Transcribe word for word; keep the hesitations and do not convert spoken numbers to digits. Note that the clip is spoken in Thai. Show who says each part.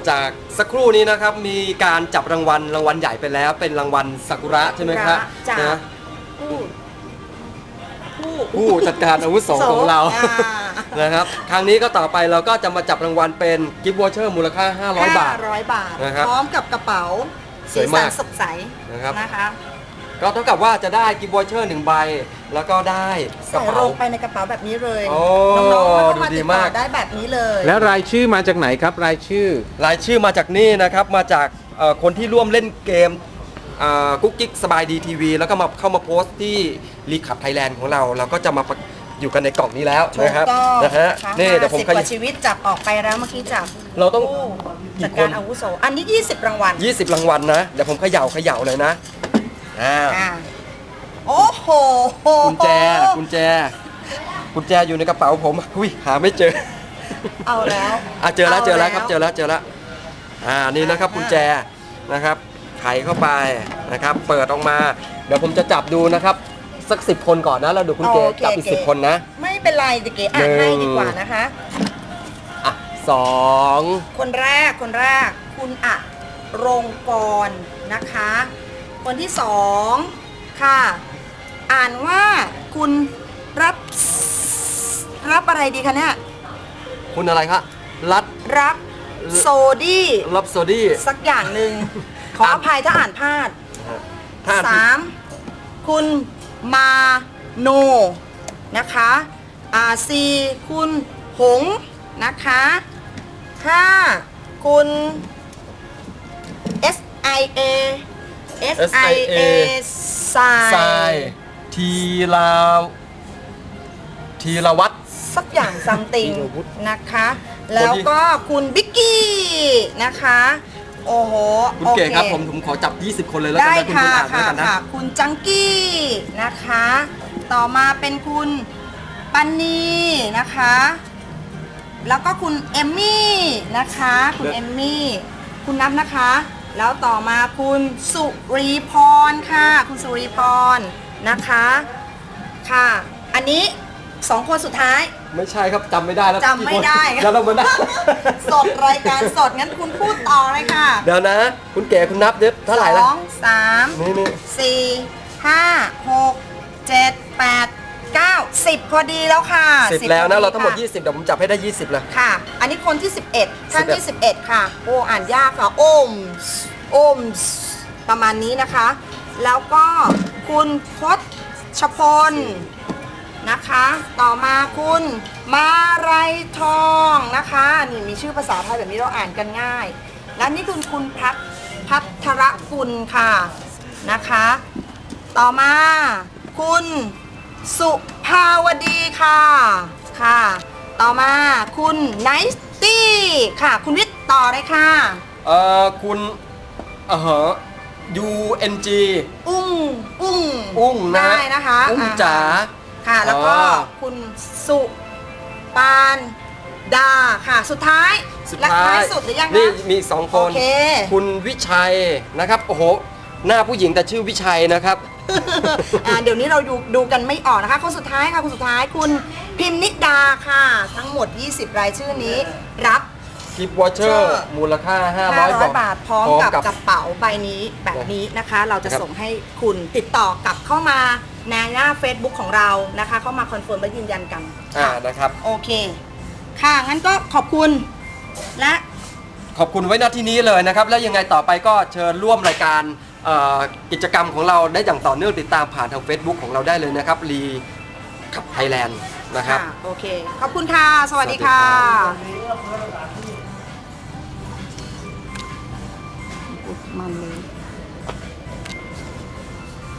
Speaker 1: จากสักครู่นี้นะครับมีการจับรางวัลรางวัลใหญ่ไปแล้วเป็นรางวัลซากุระใช่ไหมครับนะ
Speaker 2: ผู้ผู้
Speaker 1: ผู้จัดการอาวุโสของเรานะครับครั้งนี้ก็ต่อไปเราก็จะมาจับรางวัลเป็นกิฟต์วอเชอร์มูลค่าห้าร้อยบาท
Speaker 2: ห้าร้อยบาท
Speaker 1: นะครับ
Speaker 2: พร้อมกับกระเป๋า
Speaker 1: สวยมาก
Speaker 2: สดใส
Speaker 1: นะครับ
Speaker 2: นะคะ
Speaker 1: ก็เท่ากับว่าจะได้กิฟต์วอเชอร์หนึ่งใบแล้วก็ได้กระ
Speaker 2: ใส่
Speaker 1: เป๋า
Speaker 2: ลงไปในกระเป๋าแบบนี้เลย
Speaker 1: โอ้
Speaker 2: น้องๆก็มา
Speaker 1: ดูดี
Speaker 2: ติด
Speaker 1: มา
Speaker 2: ต่อก ได้แบบนี้เลย
Speaker 3: แล้วรายชื่อมาจากไหนครับรายชื่อ
Speaker 1: รายชื่อมาจากนี่นะครับมาจากเอ่อคนที่ร่วมเล่นเกมกุ๊กกิ๊กสบายดีทีวีแล้วก็มาเข้ามาโพสต์ที่รีคับไทยแลนด์ของเราเราก็จะมาอยู่กันในกล่องนี้แล้ว
Speaker 2: ถูก
Speaker 1: นะครับ
Speaker 2: ต้อง
Speaker 1: นะฮะนี่เดี๋ยวผม
Speaker 2: สิบ
Speaker 1: ข
Speaker 2: ก
Speaker 1: ยิ
Speaker 2: ว่าชีวิตจับออกไปแล้วเมื่อกี้จับ
Speaker 1: เราต้อง
Speaker 2: ผู้
Speaker 1: กี่
Speaker 2: จัด
Speaker 1: ค
Speaker 2: การ
Speaker 1: น
Speaker 2: อาวุโสอันนี้ยี่สิบรางวัล
Speaker 1: ยี่สิบรางวัลนะเดี๋ยวผมเขย่าเขย่าเลยนะอ่า
Speaker 2: อ่าโอ้โห
Speaker 1: กุญแจกุญแจกุญแจอยู่ในกระเป๋าผมอุ้ยหาไม่เจอ
Speaker 2: เอาแล้ว
Speaker 1: อ่ะเจอแล้วเจอแล้วครับเจอ
Speaker 2: แล้ว
Speaker 1: แล้วเจอแล้วอ่านี่นะครับกุญแจนะครับไขเข้าไปนะครับเปิดออกมาเดี๋ยวผมจะจับดูนะครับสักสิบคนก่อนนะแล้วเดี๋ยวคุณเก๋
Speaker 2: โอเค
Speaker 1: จับอีก
Speaker 2: เก๋
Speaker 1: สิบคนนะ
Speaker 2: ไม่เป็นไรเดี๋ยวเก๋อ่านให้ดีกว่านะคะ
Speaker 1: อ่ะสอง
Speaker 2: คนแรกคนแรกคุณอะรงกรนะคะ คนที่สองค่ะ อ่านว่าคุณรับรับอะไรดีคะเนี่ย
Speaker 1: คุณอะไรครับรัด
Speaker 2: รับโซดี้
Speaker 1: รับโซดี้
Speaker 2: สักอย่างหนึ่งขออภัยถ้าอ่านพลาด
Speaker 1: ถ้า
Speaker 2: สามคุณมาโนนะคะอ่าสี่คุณหงนะคะห้าคุณ S I A S I A สา
Speaker 1: ทราย ยทีลาทีละวัด
Speaker 2: สักอย่างซัมติง
Speaker 1: ธีรวุฒิ
Speaker 2: นะคะ แล้วก็คุณบิ๊กกี้นะคะโอ้โห
Speaker 1: คุณเก๋ครับผมผมขอจับยี่สิบคนเลยแล้วกัน
Speaker 2: ได้
Speaker 1: นะคุณ
Speaker 2: ค่ะ
Speaker 1: คุณอ่านด้วย
Speaker 2: ค่ะ
Speaker 1: กันนะ
Speaker 2: ค่ะคุณจังกี้นะคะ ต่อมาเป็นคุณปันนีนะคะ แล้วก็คุณเอมมี่นะคะ คุณเอมมี่คุณนับนะคะ แล้วต่อมาคุณสุรีพรค่ะ คุณสุรีพรนะคะค่ะ อันนี้สองคนสุดท้าย
Speaker 1: ไม่ใช่ครับจำไม่ได้แล้ว
Speaker 2: จำไม่ได้
Speaker 1: แล้วเรามาได้
Speaker 2: สดรายการสดงั้นคุณพูดต่อเลยค่ะ
Speaker 1: เดี๋ยวนะ คุณเก๋คุณนับเด็ดเท่าไหร่ละ
Speaker 2: สองสาม
Speaker 1: นี่นี่
Speaker 2: สี่ห้าหกเจ็ดแปดเก้าสิบพอดีแล้วค่ะ
Speaker 1: สิบแล้วนะ
Speaker 2: พอ
Speaker 1: เราทั้งหมด
Speaker 2: ค่
Speaker 1: ยี่สิบเดี๋ยวผมจับให้ได้ยี่สิบเลย
Speaker 2: ค่ะ อันนี้คนที่สิบเอ็ดท่านที่
Speaker 1: สิ
Speaker 2: สิ
Speaker 1: บบ เอ็
Speaker 2: เอ็
Speaker 1: ด
Speaker 2: ดค่ะ โอ้อ่านยากค่ะโอมโอมประมาณนี้นะคะ แล้วก็คุณพจชพลนะคะ ต่อมาคุณมาไรทองนะคะนี่มีชื่อภาษาไทยแบบนี้เราอ่านกันง่าย และนี่คุณคุณพัทพัทรกุลค่ะนะคะ ต่อมาคุณสุภาวดีค่ะค่ะ ต่อมาคุณไนสตี้ค่ะ คุณวิทย์ต่อเลยค่ะ
Speaker 1: เอ่อคุณเอ่อ ยู เอ็น จี
Speaker 2: อุ้งอุ้ง
Speaker 1: อุ้งนะ
Speaker 2: ได้นะคะ
Speaker 1: อุ้ง
Speaker 2: อ่
Speaker 1: จ๋า
Speaker 2: ค่ะ แล้วก็
Speaker 1: อ๋อ
Speaker 2: คุณสุปานดาค่ะ สุดท้าย
Speaker 1: สุด
Speaker 2: และ
Speaker 1: ท้า
Speaker 2: ท้าย
Speaker 1: ย
Speaker 2: สุดหรือยัง
Speaker 1: นี่
Speaker 2: คะ
Speaker 1: มีอีกสองค
Speaker 2: โอน เค
Speaker 1: คุณวิชัยนะครับโอ้โหหน้าผู้หญิงแต่ชื่อวิชัยนะครับ
Speaker 2: อ่าเดี๋ยวนี้เราดูดูกันไม่ออกนะคะ คนสุดท้ายค่ะคนสุดท้ายคุณพิมนิดาค่ะ ทั้งหมด ยี่สิบ รายชื่อนี้รับ
Speaker 1: กิฟต์วอเชอร์มูลค่า ห้าร้อย
Speaker 2: บาทพร้อมกับกระเป๋าใบนี้แบบนี้นะคะ เราจะส่งให้คุณติดต่อกลับเข้ามาในหน้า Facebook ของเรานะคะ เข้ามาคอนเฟิร์มและยืนยันกัน
Speaker 1: อ่า
Speaker 2: ค่ะ
Speaker 1: นะครับ
Speaker 2: โอเค ค่ะ งั้นก็ขอบคุณและ
Speaker 1: ขอบคุณไว้ณที่นี้เลยนะครับ แล้วยังไงต่อไปก็เชิญร่วมรายการเอ่อกิจกรรมของเราได้อย่างต่อเนื่องติดตามผ่านทาง Facebook ของเราได้เลยนะครับรีขับไทยแลนด์นะครับ
Speaker 2: ค่ะโอเค ขอบคุณค่ะ สวัสดีค่ะ มันเลย